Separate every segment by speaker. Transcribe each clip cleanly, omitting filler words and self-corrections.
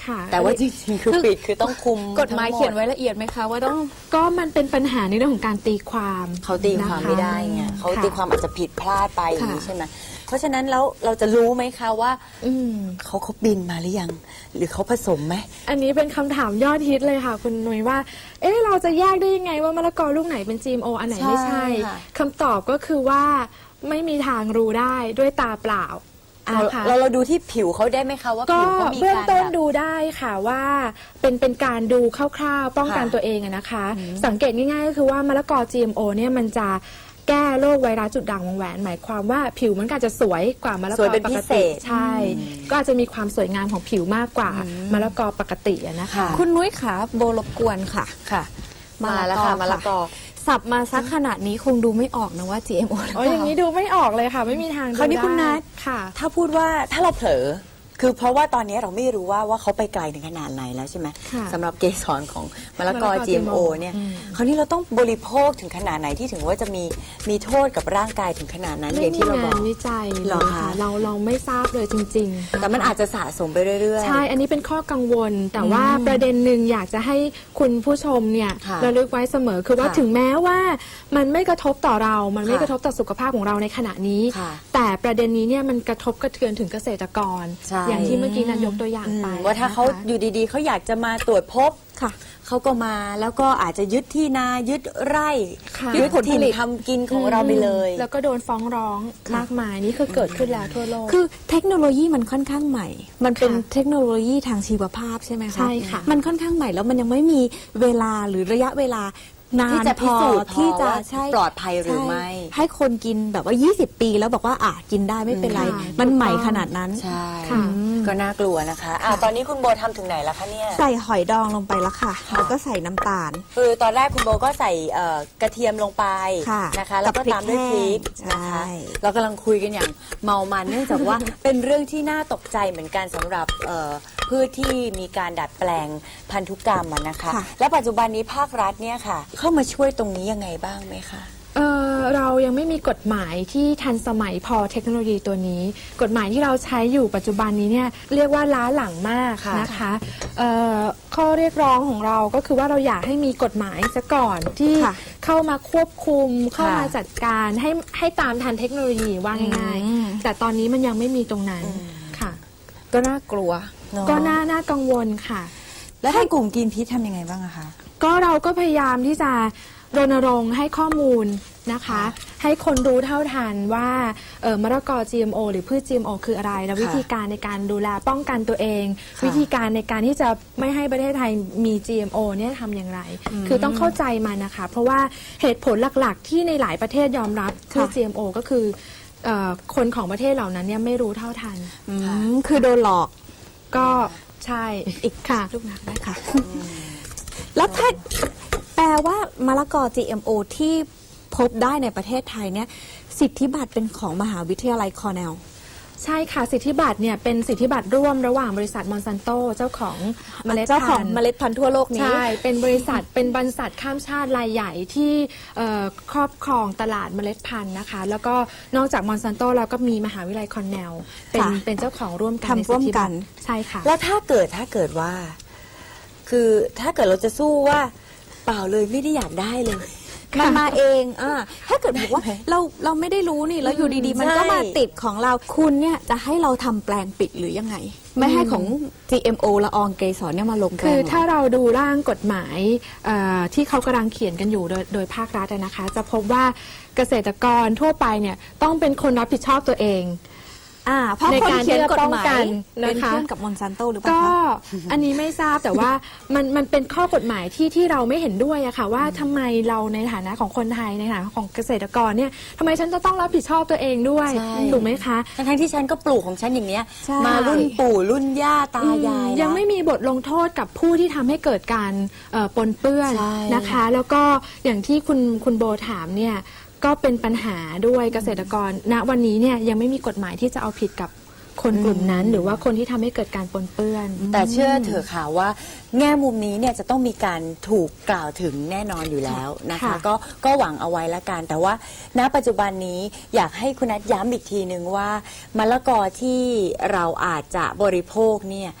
Speaker 1: ค่ะ
Speaker 2: แต่ว่าจริงๆคือปิดคือต้องคุม
Speaker 3: กฎหมายเขียนไว้ละเอียดไหมคะว่าต้อง
Speaker 1: ก็มันเป็นปัญหาในเรื่องของการตีความ
Speaker 2: เขาตีความไม่ได้ไงเขาตีความอาจจะผิดพลาดไปอย่างนี้ใช่ไหมเพราะฉะนั้นแล้วเราจะรู้ไหมคะว่าเขาบินมาหรือยังหรือเขาผสมไหม
Speaker 1: อันนี้เป็นคำถามยอดฮิตเลยค่ะคุณนุ้ยว่าเราจะแยกได้ยังไงว่ามะละกอลูกไหนเป็น GMO อันไหนไม่ใช่คำตอบก็คือว่าไม่มีทางรู้ได้ด้วยตาเปล่า
Speaker 2: เราดูที่ผิวเขาได้ไหมคะว่าผิวเขามีการเบื้
Speaker 1: องต้นดูได้ค่ะว่าเป็นการดูคร่าวๆป้องกันตัวเองนะคะ สังเกตง่ายๆก็คือว่ามะละกอ GMO เนี่ยมันจะแก้โรคไวรัสจุดด่างวงแหวนหมายความว่าผิวมันก็จะสวยกว่ามะละกอปกติใช่ก็อาจจะมีความสวยงามของผิวมากกว่ามะละกอปกตินะคะ
Speaker 3: คุณนุ้ยขาโบรบกวนค่ะ
Speaker 2: มาแล้วค่ะมะละกอ
Speaker 3: สับมาซักขนาดนี้คงดูไม่ออกนะว่า GMO หรือเปล่า
Speaker 1: อย่างนี้ดูไม่ออกเลยค่ะไม่มีทาง
Speaker 2: คราวนี้คุณนัท
Speaker 1: ค่ะ
Speaker 2: ถ้าพูดว่าถ้าเราเผลอคือเพราะว่าตอนนี้เราไม่รู้ว่าเขาไปไกลถึงขนาดไหนแล้วใช่ไหมสำหรับเกสรของมะละกอ GMO เนี่ยคราวนี้เราต้องบริโภคถึงขนาดไหนที่ถึงว่าจะมีโทษกับร่างกายถึงขนาดนั้นอย่างที่เราบอก
Speaker 1: วิจัยหรอคะเราไม่ทราบเลยจริงๆ
Speaker 2: แต่มันอาจจะสะสมไปเรื่อย
Speaker 1: ๆใช่อันนี้เป็นข้อกังวลแต่ว่าประเด็นหนึ่งอยากจะให้คุณผู้ชมเนี่ยระลึกไว้เสมอคือว่าถึงแม้ว่ามันไม่กระทบต่อเรามันไม่กระทบต่อสุขภาพของเราในขณะนี้แต่ประเด็นนี้เนี่ยมันกระทบกระเทือนถึงเกษตรกรอย่างที่เมื่อกี้นั้นยกตัวอย่างไป
Speaker 2: ว่าถ้าเขาอยู่ดีๆเขาอยากจะมาตรวจพบเขาก็มาแล้วก็อาจจะยึดที่นายึดไร่ยึดผลผลิตทำกินของเราไปเลย
Speaker 1: แล้วก็โดนฟ้องร้องมากมายนี่คือเกิดขึ้นแล้วทั่วโลก
Speaker 3: คือเทคโนโลยีมันค่อนข้างใหม่มันเป็นเทคโนโลยีทางชีวภาพใช่ไหมคะ
Speaker 1: ใช่ค่ะ
Speaker 3: มันค่อนข้างใหม่แล้วมันยังไม่มีเวลาหรือระยะเวลานาน
Speaker 2: ที่จะพิสูจน์
Speaker 3: ที่จะ
Speaker 2: ปลอดภัยหรือไม่
Speaker 3: ให้คนกินแบบว่า20 ปีแล้วบอกว่ากินได้ไม่เป็นไรมันใหม่ขนาดนั้น
Speaker 2: ใช่ก็น่ากลัวนะคะตอนนี้คุณโบทำถึงไหนแล้วคะเนี่ย
Speaker 3: ใส่หอยดองลงไปแล้วค่ะแล้วก็ใส่น้ำตาล
Speaker 2: คือตอนแรกคุณโบก็ใส่กระเทียมลงไปนะคะแล้วก็ตามด้วยพริกนะคะเรากำลังคุยกันอย่างเมามันเนื่องจากว่าเป็นเรื่องที่น่าตกใจเหมือนกันสำหรับพืชที่มีการดัดแปลงพันธุกรรมนะคะและปัจจุบันนี้ภาครัฐเนี่ยค่ะเข้ามาช่วยตรงนี้ยังไงบ้างไหมคะ
Speaker 1: เรายังไม่มีกฎหมายที่ทันสมัยพอเทคโนโลยีตัวนี้กฎหมายที่เราใช้อยู่ปัจจุบันนี้เนี่ยเรียกว่าล้าหลังมากนะคะข้อเรียกร้องของเราก็คือว่าเราอยากให้มีกฎหมายซะก่อนที่เข้ามาควบคุมเข้ามาจัดการให้ตามทันเทคโนโลยีว่าง่ายๆแต่ตอนนี้มันยังไม่มีตรงนั้นค่ะ
Speaker 3: ก็น่ากลัว
Speaker 1: ก็น่ากังวลค่ะ
Speaker 3: แล้วให้กลุ่มกินพิษทำยังไงบ้างอะคะ
Speaker 1: ก็เราก็พยายามที่จะรณรงค์ให้ข้อมูลนะคะให้คนรู้เท่าทันว่ามะละกอ GMO หรือพืช GMO คืออะไรและวิธีการในการดูแลป้องกันตัวเองวิธีการในการที่จะไม่ให้ประเทศไทยมี GMO เนี่ยทำอย่างไรคือต้องเข้าใจมันนะคะเพราะว่าเหตุผลหลักๆที่ในหลายประเทศยอมรับพืช GMO ก็คือคนของประเทศเหล่านั้นเนี่ยไม่รู้เท่าทัน
Speaker 3: คือโดนหลอก
Speaker 1: ก็ใช่
Speaker 3: อีกค่ะลูกนักได้ค่ะแล้วถ้าแปลว่ามะละกอ GMO ที่พบได้ในประเทศไทยเนี่ยสิทธิบัตรเป็นของมหาวิทยาลัยคอร์เนล
Speaker 1: ใช่ค่ะสิทธิบัตรเนี่ยเป็นสิทธิบัตรร่วมระหว่างบริษัทมอนซันโตเจ้าของเมล็ด
Speaker 3: พันธุ์ทั่วโลกนี้
Speaker 1: ใช่เป็นบริษัทข้ามชาติรายใหญ่ที่ครอบครองตลาดเมล็ดพันธุ์นะคะแล้วก็นอกจากมอนซันโตแล้วก็มีมหาวิทยาลัยคอร์เนลเป็นเจ้าของร่วมกัน
Speaker 3: ทำร่วมกัน
Speaker 1: ใช่ค่ะ
Speaker 2: แล้วถ้าเกิดว่าคือถ้าเกิดเราจะสู้ว่าเปล่าเลยไม่ได้อยากได้เลย
Speaker 3: มันมาเองถ้าเกิดบอกว่าเราไม่ได้รู้นี่แล้วอยู่ดีๆมันก็มาติดของเราคุณเนี่ยจะให้เราทำแปลงปิดหรือยังไงไม่ให้ของ GMO ละอองเกสรเนี่ยมาลงแปลง
Speaker 1: คือถ้าเราดูร่างกฎหมายที่เขากำลังเขียนกันอยู่โดยภาครัฐนะคะจะพบว่าเกษตรกรทั่วไปเนี่ยต้องเป็นคนรับผิดชอบตัวเอง
Speaker 3: เพราะคนเขียนกฎหมายเป็นเพื่อนกับมอนซันโตหรือเปล่า
Speaker 1: ก็อันนี้ไม่ทราบแต่ว่ามันเป็นข้อกฎหมายที่เราไม่เห็นด้วยอะค่ะว่าทำไมเราในฐานะของคนไทยในฐานะของเกษตรกรเนี่ยทำไมฉันจะต้องรับผิดชอบตัวเองด้วยถูกไหมคะ
Speaker 2: ทั้งที่ฉันก็ปลูกของฉันอย่างเนี้ยมารุ่นปู่รุ่นย่าตายาย
Speaker 1: ยังไม่มีบทลงโทษกับผู้ที่ทำให้เกิดการปนเปื้อนนะคะแล้วก็อย่างที่คุณโบถามเนี่ยก็เป็นปัญหาด้วยเกษตรกรณวันนี้เนี่ยยังไม่มีกฎหมายที่จะเอาผิดกับคนกลุ่มนั้นหรือว่าคนที่ทำให้เกิดการปนเปื้อน
Speaker 2: แต่เชื่อเถอะค่ะว่าแง่มุมนี้เนี่ยจะต้องมีการถูกกล่าวถึงแน่นอนอยู่แล้วนะคะก็หวังเอาไว้ละกันแต่ว่าณปัจจุบันนี้อยากให้คุณนัทย้ำอีกทีนึงว่ามะละกอที่เราอาจจะบริโภคเนี่ย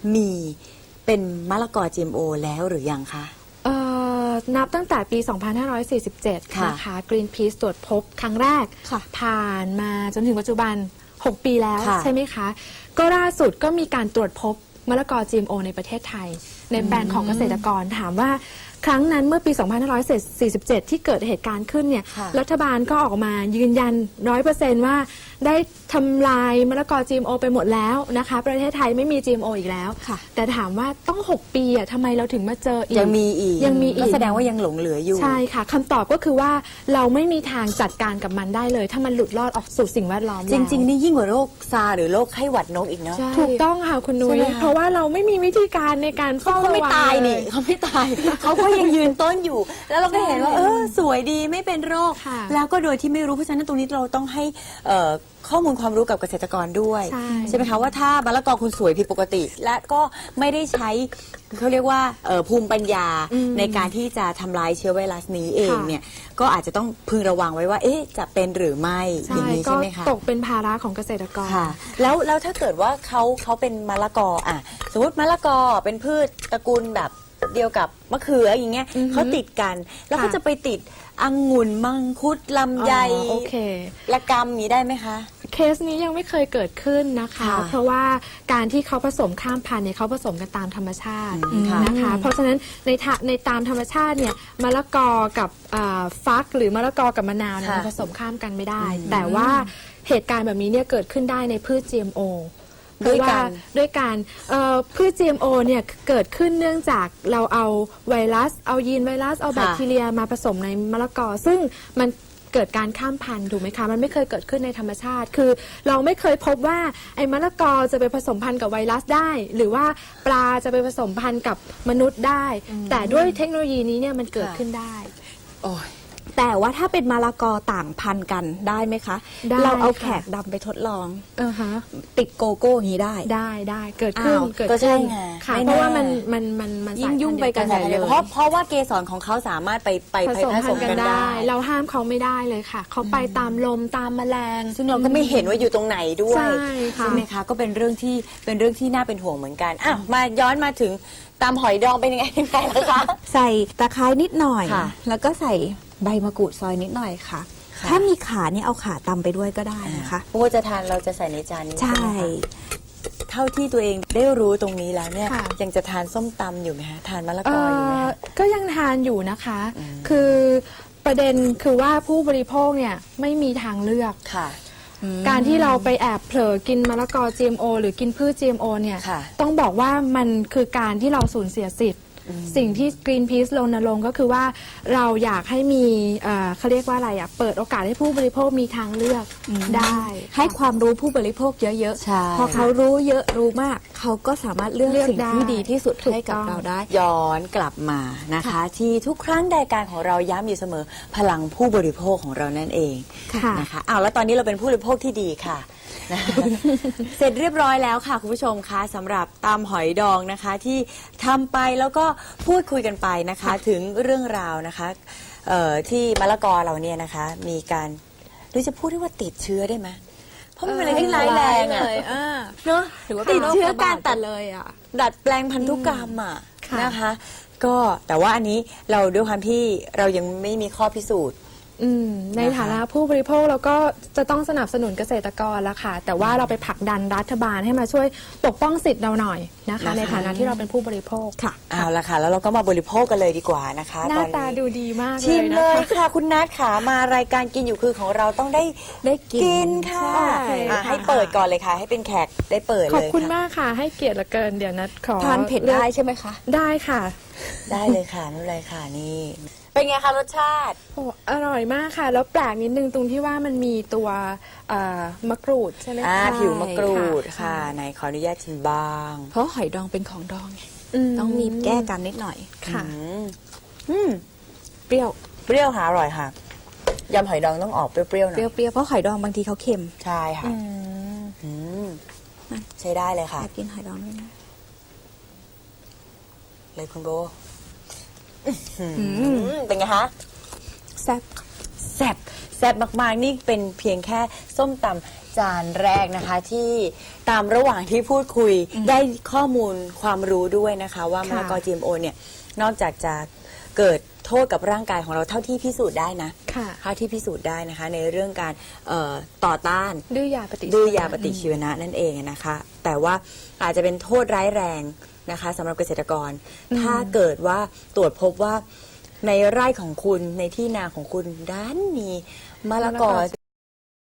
Speaker 2: มีเป็นมะละกอ GMO แล้วหรือยังคะ
Speaker 1: นับตั้งแต่ปี 2547
Speaker 2: ค่ะ
Speaker 1: นะคะ Greenpeace ตรวจพบครั้งแรก
Speaker 3: ค่ะ
Speaker 1: ผ่านมาจนถึงปัจจุบัน 6 ปีแล้ว
Speaker 2: ค่ะ
Speaker 1: ใช่ไหมคะ ก็ล่าสุดก็มีการตรวจพบมะละกอ GMO ในประเทศไทย ในแปลงของเกษตรกรถามว่าครั้งนั้นเมื่อปี 2547 ที่เกิดเหตุการณ์ขึ้นเนี่ย
Speaker 2: ค่ะ
Speaker 1: รัฐบาลก็ออกมายืนยัน 100% ว่าได้ทำลายมะละกอ GMO ไปหมดแล้วนะคะ ประเทศไทยไม่มี GMO อีกแล้ว
Speaker 3: ค่ะ
Speaker 1: แต่ถามว่าต้อง 6 ปีอะทำไมเราถึงมาเจออีก
Speaker 2: ยังมีอีก
Speaker 1: ยังมีอีก
Speaker 2: ก็แสดงว่ายังหลงเหลืออยู่
Speaker 1: ใช่ค่ะคำตอบก็คือว่าเราไม่มีทางจัดการกับมันได้เลย ถ้ามันหลุดรอดออกสู่สิ่งแวดล้อม
Speaker 2: จริง ๆ นี่ยิ่งกว่าโรคซาร์หรือโรคไข้หวัดนกอีกเนาะ
Speaker 1: ๆถูกต้องค่ะคุณนุ้
Speaker 2: ใช่
Speaker 1: ย
Speaker 2: ไหมคะ
Speaker 1: เพราะว่าเราไม่มีวิธีการในการ
Speaker 2: เขา
Speaker 1: เฝ้า
Speaker 2: ก็ไม่
Speaker 1: ระวัง
Speaker 2: ตาย
Speaker 1: เล
Speaker 2: นี่เขาไม่ตาย เขาก็ยังยืนต้นอยู่ แล้วเราก็เห็นว่า
Speaker 1: ใช่
Speaker 2: สวยดีไม่เป็นโรค
Speaker 1: ค่ะ
Speaker 2: แล้วก็โดยที่ไม่รู้เพราะฉะนั้นตรงนี้เราต้องให้ข้อมูลความรู้กับเกษตรกรด้วย
Speaker 1: ใช่
Speaker 2: ไหมคะว่าถ้ามะละกอคุณสวยผิดปกติ และก็ไม่ได้ใช้เขาเรียกว่าภูมิปัญญาในการที่จะทำลายเชื้อไวรัสนี้เองเนี่ยก็อาจจะต้องพึงระวังไว้ว่าจะเป็นหรือไม่อ
Speaker 1: ใช่
Speaker 2: ย่างนี้
Speaker 1: ก็
Speaker 2: ใช่ไหมคะ
Speaker 1: ตกเป็นภาระของเกษตรกร
Speaker 2: ค่ะแล้วถ้าเกิดว่าเขาเป็นมะละกอสมมติมะละกอเป็นพืชตระกูลแบบเดียวกับมะเขืออย่างเงี้ย
Speaker 1: อือฮึ
Speaker 2: เขาติดกัน แล้วเขา
Speaker 1: ค่ะ
Speaker 2: จะไปติดองุ่นมังคุดลำไย
Speaker 1: โอเค
Speaker 2: ละกำนี้ได้ไหมคะ
Speaker 1: เคสนี้ยังไม่เคยเกิดขึ้นนะคะ
Speaker 2: ค่ะ
Speaker 1: เพราะว่าการที่เขาผสมข้ามพันธุ์เนี่ยเขาผสมกันตามธรรมชาติ
Speaker 2: ค่ะ
Speaker 1: นะคะ เพราะฉะนั้นในตามธรรมชาติเนี่ยมะละกอกับฟักหรือมะละกอกับมะนาวเนี่ย
Speaker 2: ค่ะ
Speaker 1: มันผสมข้ามกันไม่ได้ แต่ว่าเหตุการณ์แบบนี้เนี่ยเกิดขึ้นได้ในพืช GMO
Speaker 2: ด้วยกัน
Speaker 1: ด้วยการพืช GMO เนี่ยเกิดขึ้นเนื่องจากเราเอาไวรัสเอายีนไวรัสเอาแบคทีเรียมาผสมในมะละกอ ซึ่งมันเกิดการข้ามพันธุ์ถูกไหมคะมันไม่เคยเกิดขึ้นในธรรมชาติ คือเราไม่เคยพบว่าไอ้มะละกอจะไปผสมพันธุ์กับไวรัสได้ หรือว่าปลาจะไปผสมพันธุ์กับมนุษย์ได้ แต่ด้วยเทคโนโลยีนี้เนี่ยมันเกิดขึ้นได้
Speaker 2: โอ้ย
Speaker 3: แต่ว่าถ้าเป็นมะละกอต่างพันธุ์กันได้ไหมคะ
Speaker 1: ได้
Speaker 3: เราเอา
Speaker 1: ค่ะ
Speaker 3: แขกดำไปทดลอง
Speaker 1: ฮะ
Speaker 3: ติดโกโก้อย่างนี้ได้
Speaker 1: ได้เกิดขึ้น
Speaker 3: อ้าว
Speaker 1: เกิด
Speaker 2: ก็ใช่
Speaker 1: ขึ้น
Speaker 2: ไง
Speaker 1: ค่ะ
Speaker 2: ไม่
Speaker 1: เพราะว่า
Speaker 2: น่า
Speaker 1: มัน
Speaker 3: ยิ่งยุ่งไปกัน
Speaker 1: สายพันธุ์เดียว
Speaker 3: ใหญ่เลย
Speaker 2: เพราะว่าเกสรของเขาสามารถไป
Speaker 1: ผสม
Speaker 2: ผ
Speaker 1: พั
Speaker 2: ส
Speaker 1: น
Speaker 2: ม
Speaker 1: ธุ์กั
Speaker 2: กัน น
Speaker 1: ได้
Speaker 2: ได้
Speaker 1: เราห้ามเขาไม่ได้เลยค่ะ เขาไปตามลมตามแมลง
Speaker 2: ซึ่งเราก็ไม่เห็นว่าอยู่ตรงไหนด้วย
Speaker 1: ใช่ค่ะ
Speaker 2: ไหมคะก็เป็นเรื่องที่น่าเป็นห่วงเหมือนกันมาย้อนมาถึงตามหอยดองเป็นยังไงล่ะคะ
Speaker 3: ใส่ตะไคร้นิดหน่อย
Speaker 2: ค่ะ
Speaker 3: แล้วก็ใส่ใบมะกรูดซอยนิดหน่อยค่ะ
Speaker 2: ค่ะ
Speaker 3: ถ้ามีขาเนี่ยเอาขาตำไปด้วยก็ได้นะคะ
Speaker 2: เพราะว่าจะทานเราจะใส่ในจานนี้
Speaker 3: ใช่
Speaker 2: ไหมคะเท่าที่ตัวเองได้รู้ตรงนี้แล้วเนี่ย
Speaker 1: ค่ะ
Speaker 2: ยังจะทานส้มตำอยู่ไหมคะทานมะละกออยู่ไหมคะ
Speaker 1: ก็ยังทานอยู่นะคะ คือประเด็นคือว่าผู้บริโภคเนี่ยไม่มีทางเลือก
Speaker 2: ค่ะ
Speaker 1: การที่เราไปแอบเผลอกินมะละกอ GMO หรือกินพืช GMO เนี่ย
Speaker 2: ค่ะ
Speaker 1: ต้องบอกว่ามันคือการที่เราสูญเสียสิทธิ์ สิ่งที่ Greenpeace รณรงค์ก็คือว่าเราอยากให้มีเขาเรียกว่าอะไรเปิดโอกาสให้ผู้บริโภคมีทางเลือกได้
Speaker 3: ให้ความรู้ผู้บริโภคเยอะ
Speaker 2: ใช่
Speaker 3: ๆ พอเขารู้เยอะรู้มาก เขาก็สามารถเลือก
Speaker 1: เลือก
Speaker 3: สิ่ง
Speaker 1: ได้
Speaker 3: ที่ดีที่สุด
Speaker 1: ถูก
Speaker 3: ให้กับ
Speaker 1: ต้อง
Speaker 3: เราได้
Speaker 2: ย้อนกลับมานะคะ ที่ทุกครั้งรายการของเราย้ำอยู่เสมอพลังผู้บริโภคของเรานั่นเอง
Speaker 1: ค่ะ
Speaker 2: นะคะแล้วตอนนี้เราเป็นผู้บริโภคที่ดีค่ะ นะคะเสร็จเรียบร้อยแล้วค่ะคุณผู้ชมคะสำหรับตำหอยดองนะคะที่ทำไปแล้วก็พูดคุยกันไปนะคะถึงเรื่องราวนะคะที่มะละกอเราเนี่ยนะคะมีการหรือจะพูดได้ว่าติดเชื้อได้ไหมเพราะมันเป็นอะไรที่ร้ายแรงอะ เนอะ
Speaker 3: ถือว่า
Speaker 2: ติดเชื้อการตัด
Speaker 3: เลยอ่ะ
Speaker 2: ดัดแปลงพันธุกรรมอ่ะ
Speaker 1: ค่ะ
Speaker 2: นะคะ ก็แต่ว่าอันนี้เราด้วยความที่เรายังไม่มีข้อพิสูจน์
Speaker 1: ในฐานะผู้บริโภคเราก็จะต้องสนับสนุนเกษตรกรละค่ะ แต่ว่าเราไปผลักดันรัฐบาลให้มาช่วยปกป้องสิทธิ์เราหน่อยนะคะ ในฐานะที่เราเป็นผู้บริโภค
Speaker 3: ค่ะ
Speaker 2: เอาละค่ะ แล้วเราก็มาบริโภคกันเลยดีกว่านะคะ
Speaker 1: หน้า
Speaker 2: ตอน
Speaker 1: ตา
Speaker 2: นี้
Speaker 1: ดูดีมาก
Speaker 2: ชิม
Speaker 1: เลย
Speaker 2: เล
Speaker 1: นะ
Speaker 2: ย
Speaker 1: คะ
Speaker 2: ค่ะ คุณนัทขา มารายการกินอยู่คือของเราต้องได้
Speaker 3: กิน
Speaker 2: ค่ะ
Speaker 3: ใช่
Speaker 2: ให้เปิดก่อนเลยค่ะ ให้เป็นแขกได้เปิดเลย
Speaker 1: ขอบคุณ
Speaker 2: ะ
Speaker 1: มากค่ะ ให้เกียรติเหลือเกินเดี๋ยวนัดขอ
Speaker 3: ทานเผ็ดได้ใช่ไหมคะ
Speaker 1: ได้ค่ะ
Speaker 2: ได้เลยค่ะไม่เป็นไรค่ะนี่ เป็นไงคะรสชาติ
Speaker 1: โอ้อร่อยมากค่ะ แล้วแปลกนิดนึงตรงที่ว่ามันมีตัวมะกรูดใช่ไหมคะ
Speaker 2: ผิวมะกรูด
Speaker 1: ค่ะ
Speaker 2: ค่ะไหนขออนุญาตชิมบ้าง
Speaker 3: เพราะหอยดองเป็นของดองไง
Speaker 1: ม
Speaker 3: ต้องมีแก้กันนิดหน่อย
Speaker 1: ค่ะ
Speaker 2: อืม
Speaker 3: เปรี้ยว
Speaker 2: เปรี้ยวค่ะอร่อยค่ะยำหอยดองต้องออกเปรี้ยวๆหน่
Speaker 3: เป
Speaker 2: อย
Speaker 3: รี้ยวๆเพราะหอยดองบางทีเขาเค็ม
Speaker 2: ใช่ค่ะอืมใช้ได้เลยค่ะ
Speaker 3: แอบกินหอยดองด้วยนะ
Speaker 2: เลยคุณโบเป็นไงคะ
Speaker 3: แซ่บ
Speaker 2: แซ่บมากๆนี่เป็นเพียงแค่ส้มตำจานแรกนะคะที่ตามระหว่างที่พูดคุยได้ข้อมูลความรู้ด้วยนะคะว่ามะละกอ GMO เนี่ยนอกจากจะเกิดโทษกับร่างกายของเราเท่าที่พิสูจน์ได้นะเท่าที่พิสูจน์ได้นะคะในเรื่องการต่อต้าน
Speaker 1: ดื้อยาปฏิ
Speaker 2: ชีวนะนั่นเองนะคะแต่ว่าอาจจะเป็นโทษร้ายแรงนะคะสำหรับเกษตรกรถ้าเกิดว่าตรวจพบว่าในไร่ของคุณในที่นาของคุณด้านมีมะละกอ